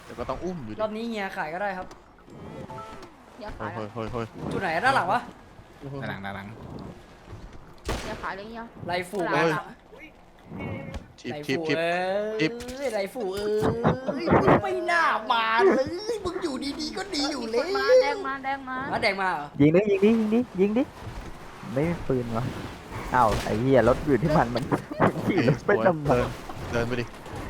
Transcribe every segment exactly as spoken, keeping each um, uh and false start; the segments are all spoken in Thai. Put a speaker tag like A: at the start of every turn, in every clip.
A: แต่ก็ต้องอุ้มอยู่ดิ
B: รอบนี้เฮียขายก็ได้ครับ
C: อย่า
A: เฮ้
C: ขาย ย
A: เฮ้ยเฮ้ยเฮ้ย
B: จุดไหนด้านหลังวะ
D: ด้านหลังด้านหลัง
C: อย่าขายเลยเนี่ย
B: ไรฝู
C: ห
B: เอ้
C: ลั
B: ย
C: ง
A: ทิป
B: ไร
A: ทิป
B: ฝู
A: ทิป
B: เอ้
A: ทิป
B: ยไรฝูเอ้ยมึงไม่น่ามาเลยมึงอยู่ดีๆก็ดีอยู่เลย
C: มาแดงมาแดงมา
B: มาแดงมาเหรอ
E: ยิงดิยิงดิยิงดิยิงดิไม่มีปืนวะอ้าวไอ้เหี้ยรถอยู่ที่มันมันมันขี่รถไปทำไม
A: เดินเดินไปดิ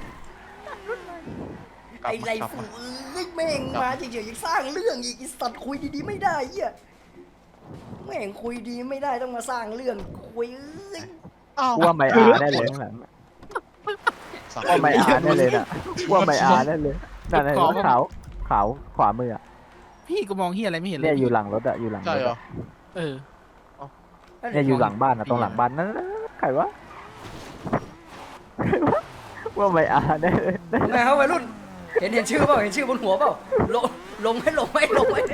A: กลับ
B: ไอ้
A: มา
B: ไร
A: กลับ
B: ฝู
A: มา
B: เอ้ยแม่งมาเฉยๆยังสร้างเรื่องอีกไอ้สัตว์คุยดีๆไม่ได้เหี้ยแม่งคุยดีไม่ได้ต้องมาสร้างเรื่องคุยเอ้ย
E: กลัวไม่อาได้เลยข้างหลัง
A: สั่ง
E: กลัวไม่อาได้เลยน่ะกลัวไม่อาได้เลยนั่นไอ้รถขาวขาวขวามืออ่ะ
D: พี่ก็มองเฮียอะไรไม่เห็นเล
E: เนี่ย ยอยู่หลังรถอ่ะอยู่หลังร
A: ใช่
E: ถ
A: เหรอ
E: อะ
D: เออ
E: เนี่ยอยู่หลังบ้านอ่ะตรงหลังบ้านนั่นใครวะใครวะว่าไม่อาได้เลย
B: ทำไงครับวัยรุ่นเห็นเห็นชื่อเปล่าเห็นชื่อบนหัวเปล่าลงลงให้ลงให้ลงให้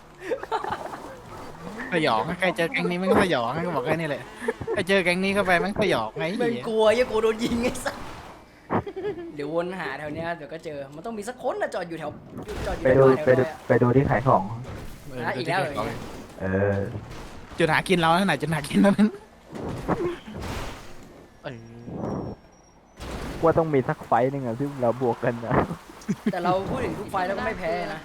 D: สยองใครเจอแก๊งนี้มันก็สยองก็บอกแค่นี้แหละใครเจอแก๊งนี้เข้าไปมันสยองไง
B: แม่งกลัวยังกลัวโดนยิงไอ้สัสเดี๋ยววนหาแถวเนี้ยเดี๋ยวก็เจอมันต้องมีสักคนนะจอดอยู่แถวจอดอยู่
E: ไป
B: แถ
E: ดู
B: ว
E: ไปดูไปดูที่ขายของ
D: เออ
B: นะอีกแล้วเหรอ
E: เออ
D: จุดหากินเราไหนจุดหากินเรานั้น
A: เอ้ย
E: ว่าต้องมีสักไฟต์หนึงอะที่เราบวกกันนะ
B: แต่เราพูดถึงทุกไฟล์แล้วก็ไม่แพ้นะ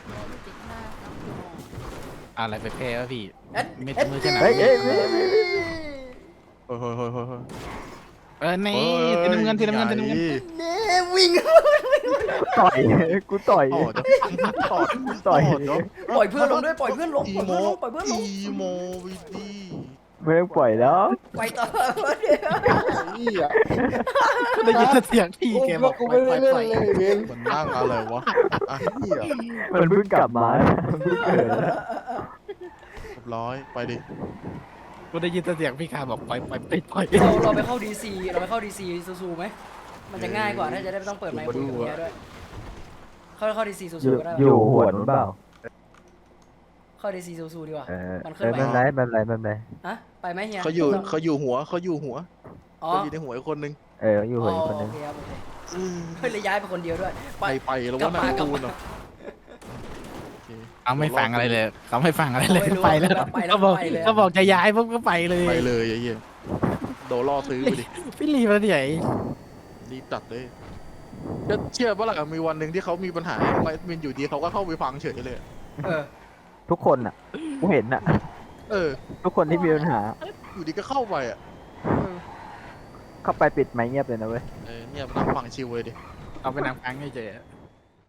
D: อะไรไปแพ้วะพี่
B: เอ็ด
D: ไม่
B: เอ็ด
D: มือจะหนัก
E: เฮ้ยเฮ้ยเฮ้ยเฮ้ย
A: เฮ้ยเฮ้ยเฮ้ยเฮ้ยเฮ้ย
D: เออนี่ทีน้ำเงินทีน้ำเงินทีน้ำเงิน
B: เน่วิ่ง
E: ต่อยกูต่อย
A: ต่อจะต่อ
E: ต่อย
A: เดี๋ยว
B: ปล่อยเพื่อนลงด้วยปล่อยเพื่อนลง
A: อี
B: ปล่อย
A: โม
B: เพื่อนลงปล่อยเพื่อนลง
A: อีโมวิดี
E: ไม่ต้องปล่อยแล้ว
B: ไปต่อ
A: นี่อ่ะ
D: ได้ยินเสียงพี่แกบอกไปไปไป
A: มันนั่งอะไรวะอ่ะนี่อ่ะ
E: มันเพิ่งกลับมามันเพิ่งเกิด
A: เรียบร้อยไปดิ
D: กูได้ยินเสียงพี่คาบอกไปไปไปไป
B: เราเราไปเข้าดีซีเราไปเข้าดีซีซูๆไหมมันจะง่ายกว่าถ้าจะได้ไม่ต้องเปิดไมค์คุยกับเมียด้วยเข้าเข้าดีซีซู
E: อยู่
B: ๆก็ได้
E: อยู่หัวนู้นเปล่า
B: เข้าดีซีซูๆดีกว่า
E: เออ
B: มัน
E: เอ
B: ขึ้น
E: อ
B: ไป
E: ไม่เป็นไรไม่เป็นไรไม่เป็นไร
B: ฮะไปไหมเฮีย
A: เขาอยู่เขาอยู่หัวเขาอยู่หัว
B: อ๋อ
A: เขาอยู่ในหัวอีกคนนึง
E: เอออยู่หัวอีกคนนึง
B: โอเคครับโอเคเฮ้ยเลยย้ายไปคนเดียวด้วย
A: ไปไปแล้ว
B: กลั
A: ว่า
B: บ
A: นา
B: มาง กลับ
A: คู
B: มา
A: นเหรอโอเค
D: เขาไม่ฟังอะไรเลยเขาไม่ฟังอะไรเลย
B: ไม่รู้
D: ไปแล้ว
B: ไปแล้ว
D: เขาบอก
B: ไปเลย
D: เขาบอกจะย้ายปุ๊บก็ไปเลย
A: ไปเลยไอ้เหี้ยโดนล่อซื้อไปดิ
D: พี่ลีมาใหญ่
A: รีบตัดเลยจะเชื่อปะล่ะมีวันหนึ่งที่เขามีปัญหาไลฟ์มินอยู่ดีเขาก็เข้าไปฟังเฉยเลย
B: เออ
E: ทุกคนอ่ะกูเห็นอ่ะ
A: เออ
E: ทุกคนที่มีปัญหา
A: อยู่ดีก็เข้าไปอ่ะ
E: เข้าไปปิดไมค์เงียบเลยนะเว้ย
A: เออเนี่ยนั่งฟังชิวเลยดิ
D: เอาไปนางฟังให้เจอ